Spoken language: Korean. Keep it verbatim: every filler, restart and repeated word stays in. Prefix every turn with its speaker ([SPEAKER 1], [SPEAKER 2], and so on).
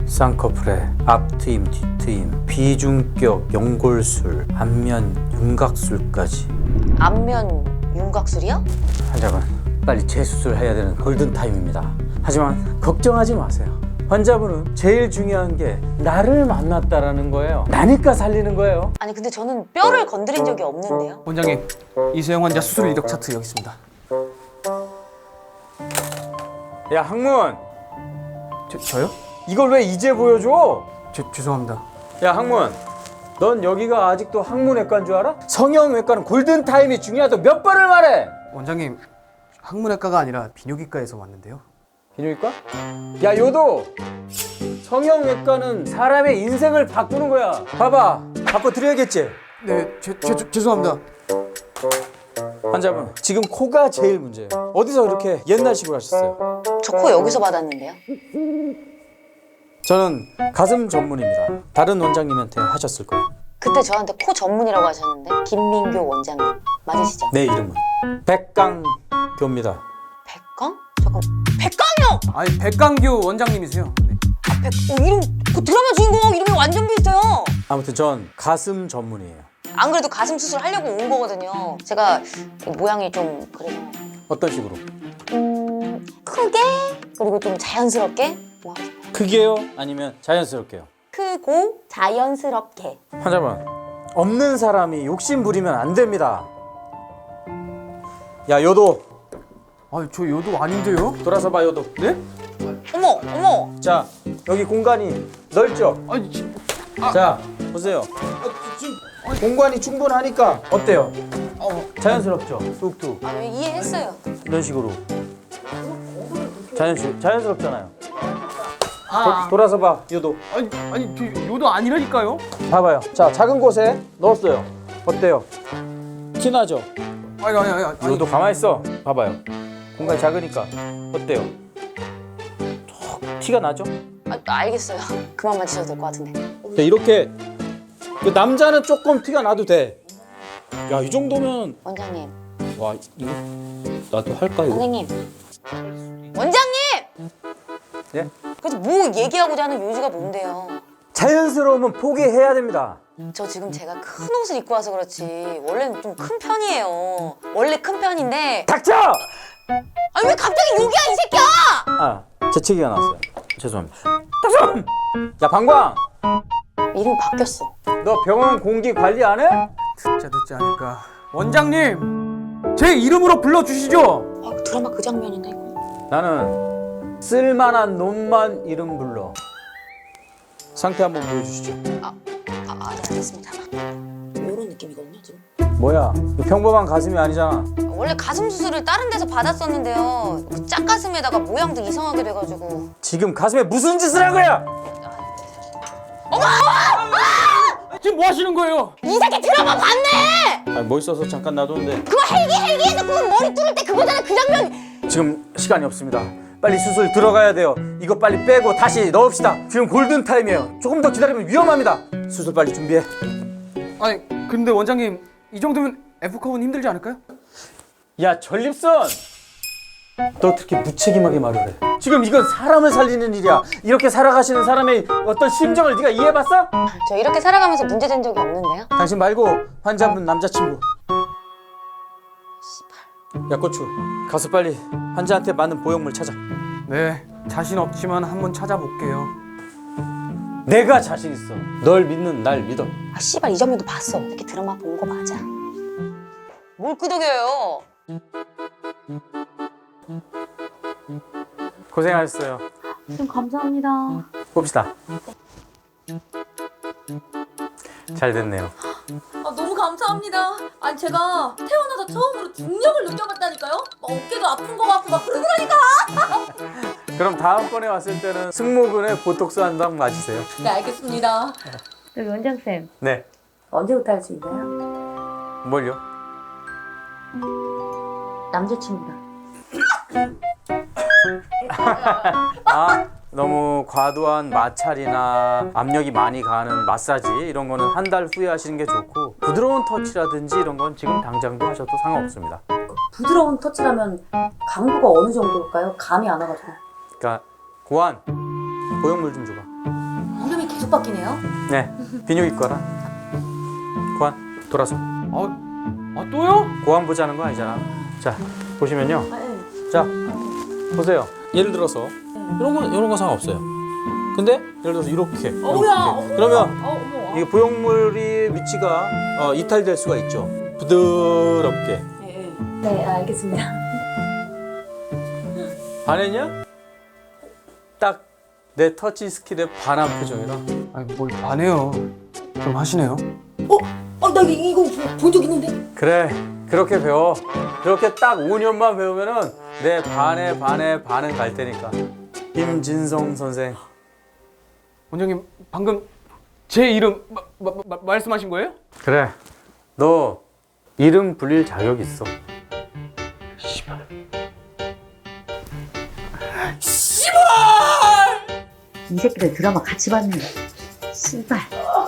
[SPEAKER 1] 쌍꺼풀에 앞트임, 뒤트임, 비중격, 연골술, 안면 윤곽술까지.
[SPEAKER 2] 안면 윤곽술이요?
[SPEAKER 1] 환자분, 빨리 재수술해야 되는 골든타임입니다. 하지만 걱정하지 마세요. 환자분은 제일 중요한 게 나를 만났다라는 거예요. 나니까 살리는 거예요.
[SPEAKER 2] 아니 근데 저는 뼈를 건드린 적이 없는데요.
[SPEAKER 3] 원장님, 이수영 환자 수술 이력 차트 여기 있습니다.
[SPEAKER 1] 야, 항문!
[SPEAKER 3] 저, 저요?
[SPEAKER 1] 이걸 왜 이제 보여줘?
[SPEAKER 3] 저, 죄송합니다.
[SPEAKER 1] 야, 항문! 넌 여기가 아직도 항문외과인 줄 알아? 성형외과는 골든타임이 중요하다고 몇 번을 말해!
[SPEAKER 3] 원장님, 항문외과가 아니라 비뇨기과에서 왔는데요.
[SPEAKER 1] 비뇨기과? 야, 요도! 성형외과는 사람의 인생을 바꾸는 거야. 봐봐, 바꿔드려야겠지?
[SPEAKER 3] 네, 제, 제, 제, 죄송합니다.
[SPEAKER 1] 환자분, 지금 코가 제일 문제예요. 어디서 그렇게 옛날식으로 하셨어요?
[SPEAKER 2] 저 코 여기서 받았는데요.
[SPEAKER 1] 저는 가슴 전문입니다. 다른 원장님한테 하셨을 거예요.
[SPEAKER 2] 그때 저한테 코 전문이라고 하셨는데 김민교 원장님 맞으시죠?
[SPEAKER 1] 내 이름은 백강교입니다.
[SPEAKER 2] 백강? 잠깐 백강이요!
[SPEAKER 3] 아니, 백강규 원장님이세요. 네.
[SPEAKER 2] 아, 백... 어, 이름 그 드라마 주인공 이름이 완전 비슷해요.
[SPEAKER 1] 아무튼 전 가슴 전문이에요.
[SPEAKER 2] 안 그래도 가슴 수술 하려고 온 거거든요. 제가 모양이 좀 그래서
[SPEAKER 1] 어떤 식으로?
[SPEAKER 2] 음... 크게 그리고 좀 자연스럽게 뭐 하고 싶어요.
[SPEAKER 1] 크게요? 아니면 자연스럽게요?
[SPEAKER 2] 크고 자연스럽게.
[SPEAKER 1] 환자분, 없는 사람이 욕심 부리면 안 됩니다. 야, 요도
[SPEAKER 3] 아니, 저 요도 아닌데요?
[SPEAKER 1] 돌아서 봐. 요도.
[SPEAKER 3] 네?
[SPEAKER 2] 어머 어머.
[SPEAKER 1] 자, 여기 공간이 넓죠?
[SPEAKER 3] 아니, 지,
[SPEAKER 1] 자, 보세요. 공간이 충분하니까 어때요?
[SPEAKER 3] 어,
[SPEAKER 1] 자연스럽죠? 뚝뚝.
[SPEAKER 2] 아, 이해했어요.
[SPEAKER 1] 이런 식으로. 자연스, 자연스럽잖아요.
[SPEAKER 3] 아,
[SPEAKER 1] 도, 돌아서 봐. 요도.
[SPEAKER 3] 아니, 아니, 저 요도 아니라니까요?
[SPEAKER 1] 봐봐요. 자, 작은 곳에 넣었어요. 어때요? 티 나죠?
[SPEAKER 3] 아니, 아니, 아니, 아니.
[SPEAKER 1] 요도 가만히 있어. 봐봐요. 공간이 작으니까 어때요? 톡 티가 나죠?
[SPEAKER 2] 아, 알겠어요. 그만 만지셔도 될 것 같은데.
[SPEAKER 1] 네, 이렇게 그 남자는 조금 티가 나도 돼. 야, 이 정도면
[SPEAKER 2] 원장님.
[SPEAKER 1] 와, 이거 나도 할까 이거?
[SPEAKER 2] 선생님. 원장님!
[SPEAKER 1] 예?
[SPEAKER 2] 그래서 뭐 얘기하고자 하는 요지가 뭔데요?
[SPEAKER 1] 자연스러우면 포기해야 됩니다.
[SPEAKER 2] 저 지금 제가 큰 옷을 입고 와서 그렇지 원래는 좀 큰 편이에요. 원래 큰 편인데
[SPEAKER 1] 닥쳐!
[SPEAKER 2] 아니 왜 갑자기 욕이야 이 새끼야!
[SPEAKER 1] 아, 재채기가 나왔어요. 죄송합니다. 닥쳐! 야, 방광!
[SPEAKER 2] 이름이 바뀌었어.
[SPEAKER 1] 너 병원 공기 관리 안 해?
[SPEAKER 3] 듣자 듣자 하니까. 원장님, 제 이름으로 불러주시죠.
[SPEAKER 2] 아, 드라마 그 장면인데 이거.
[SPEAKER 1] 나는 쓸만한 놈만 이름 불러. 상태 한번 보여주시죠.
[SPEAKER 2] 아, 아, 아 네, 알겠습니다. 이런 느낌이거든요 지금.
[SPEAKER 1] 뭐야, 이거 평범한 가슴이 아니잖아.
[SPEAKER 2] 원래 가슴 수술을 다른 데서 받았었는데요. 그 짝가슴에다가 모양도 이상하게 돼가지고.
[SPEAKER 1] 지금 가슴에 무슨 짓을 한 거야?
[SPEAKER 3] 지금 뭐 하시는 거예요?
[SPEAKER 2] 이 새끼 드라마 봤네!
[SPEAKER 1] 아, 멋있어서 잠깐 놔뒀는데
[SPEAKER 2] 그거 헬기 헬기에서 그거 머리 뚫을 때 그거잖아 그 장면.
[SPEAKER 1] 지금 시간이 없습니다. 빨리 수술 들어가야 돼요. 이거 빨리 빼고 다시 넣읍시다. 지금 골든타임이에요. 조금 더 기다리면 위험합니다. 수술 빨리 준비해.
[SPEAKER 3] 아니, 근데 원장님, 이 정도면 F컵은 힘들지 않을까요?
[SPEAKER 1] 야, 전립선! 너 어떻게 무책임하게 말을 해? 지금 이건 사람을 살리는 일이야. 이렇게 살아가시는 사람의 어떤 심정을 네가 이해해봤어?
[SPEAKER 2] 저 이렇게 살아가면서 문제된 적이 없는데요.
[SPEAKER 1] 당신 말고 환자분 남자친구. 야, 고추, 가서 빨리 환자한테 맞는 보형물 찾아.
[SPEAKER 3] 네, 자신 없지만 한번 찾아볼게요.
[SPEAKER 1] 내가 자신 있어. 널 믿는 날 믿어.
[SPEAKER 2] 아 씨발 이 장면도 봤어. 이렇게 드라마 본 거 맞아. 뭘 끄덕여요?
[SPEAKER 1] 고생하셨어요.
[SPEAKER 2] 좀 감사합니다.
[SPEAKER 1] 봅시다. 잘 됐네요.
[SPEAKER 4] 아, 너무 감사합니다. 아니 제가 태어나서 처음으로 중력을 느껴봤다니까요. 막 어깨도 아픈 거 같고 막 그러더라니까.
[SPEAKER 1] 그럼 다음번에 왔을 때는 승모근에 보톡스 한 방 맞으세요.
[SPEAKER 4] 네 알겠습니다.
[SPEAKER 5] 여기 원장쌤
[SPEAKER 1] 네.
[SPEAKER 5] 언제부터 할 수 있나요?
[SPEAKER 1] 뭘요?
[SPEAKER 5] 남자친구랑.
[SPEAKER 1] 아, 너무 과도한 마찰이나 압력이 많이 가는 마사지 이런 거는 한 달 후에 하시는 게 좋고, 부드러운 터치라든지 이런 건 지금 당장도 하셔도 상관없습니다.
[SPEAKER 5] 부드러운 터치라면 강도가 어느 정도일까요? 감이 안 와가지고.
[SPEAKER 1] 그러니까 고안, 보형물 좀 줘봐.
[SPEAKER 4] 계속 바뀌네요.
[SPEAKER 1] 네, 비뇨기과라. 고안 돌아서.
[SPEAKER 3] 아, 아 또요?
[SPEAKER 1] 고안 보자는 거 아니잖아. 자, 보시면요.
[SPEAKER 4] 아, 네.
[SPEAKER 1] 자, 보세요. 예를 들어서 이런 거 이런 거 상관없어요. 근데 예를 들어서 이렇게.
[SPEAKER 4] 어, 뭐야?
[SPEAKER 1] 이렇게. 그러면
[SPEAKER 4] 어, 어머.
[SPEAKER 1] 이게 보형물이 위치가 어, 이탈될 수가 있죠. 부드럽게.
[SPEAKER 4] 예, 예.
[SPEAKER 5] 네, 알겠습니다.
[SPEAKER 1] 반했냐? 딱 내 터치 스킬에 반한 표정이라.
[SPEAKER 3] 아니 뭘 반해요. 좀 하시네요.
[SPEAKER 4] 어, 나 이거 본 적 있는데?
[SPEAKER 1] 그래, 그렇게 배워. 그렇게 딱 오 년만 배우면은 내 반에 반에 반은 갈 테니까. 임진성 선생.
[SPEAKER 3] 원장님 방금 제 이름 마, 마, 마, 말씀하신 거예요?
[SPEAKER 1] 그래, 너 이름 불릴 자격 있어.
[SPEAKER 5] 이 새끼들 드라마 같이 봤네. 씨발.